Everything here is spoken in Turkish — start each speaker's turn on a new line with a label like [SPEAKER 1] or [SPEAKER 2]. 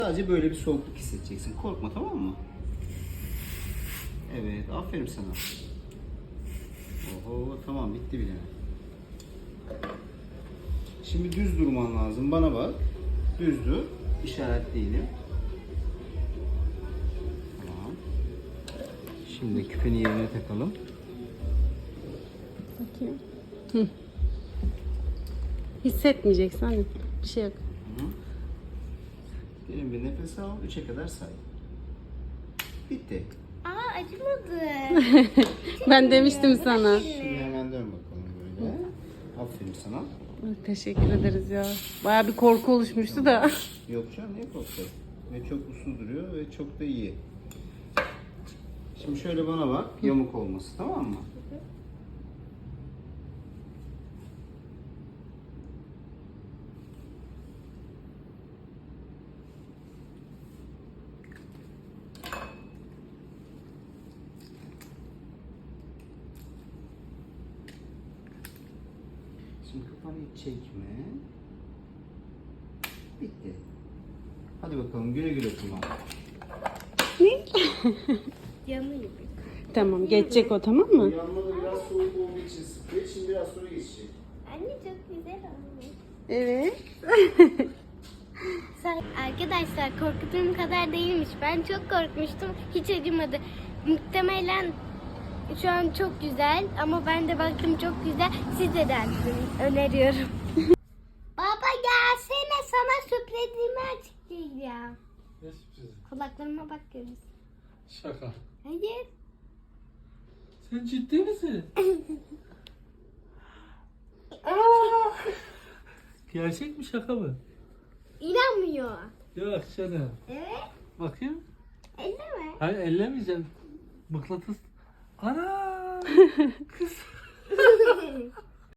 [SPEAKER 1] Sadece böyle bir soğukluk hissedeceksin. Korkma, tamam mı? Evet, aferin sana. Oho, tamam, bitti bile. Şimdi düz durman lazım. Bana bak. Düz dur. İşaretleyelim. Tamam. Şimdi küpeni yerine takalım.
[SPEAKER 2] Bakayım. Hı. Hissetmeyeceksin hani. Bir şey yok.
[SPEAKER 1] Hı. Derin bir nefes al. 3'e kadar say. Bitti.
[SPEAKER 3] Aa, acımadı.
[SPEAKER 2] Ben demiştim sana.
[SPEAKER 1] Şimdi hemen dön bakalım böyle. Aferin sana.
[SPEAKER 2] Teşekkür ederiz ya. Baya bir korku oluşmuştu da.
[SPEAKER 1] Yok canım, niye korktun? Ve çok uslu duruyor ve çok da iyi. Şimdi şöyle bana bak. Yamuk olması, tamam mı? Şimdi kafanı hiç çekme. Bitti. Hadi bakalım, güle güle kullan.
[SPEAKER 3] Yanıyor.
[SPEAKER 2] Tamam, geçecek o, tamam mı?
[SPEAKER 1] Yanmada biraz soğuk olduğu için sıkıyor. Şimdi biraz sonra geçecek.
[SPEAKER 3] Anne çok güzel olmuş.
[SPEAKER 2] Evet.
[SPEAKER 3] Arkadaşlar korktuğum kadar değilmiş. Ben çok korkmuştum. Hiç acımadı. Muhtemelen şu an çok güzel ama ben de baktım çok güzel. Size de öneriyorum. Baba gelsene, sana sürprizimi açıklayacağım.
[SPEAKER 4] Ne sürprizi?
[SPEAKER 3] Kulaklarıma bak görürsün.
[SPEAKER 4] Şaka.
[SPEAKER 3] Hayır.
[SPEAKER 4] Sen ciddi misin? Gerçek mi şaka mı?
[SPEAKER 3] İnanmıyor.
[SPEAKER 4] Yok canım.
[SPEAKER 3] Evet.
[SPEAKER 4] Bakayım.
[SPEAKER 3] Elleme.
[SPEAKER 4] Hayır ellemeyeceğim. Mıknatıs. Ana! Kız.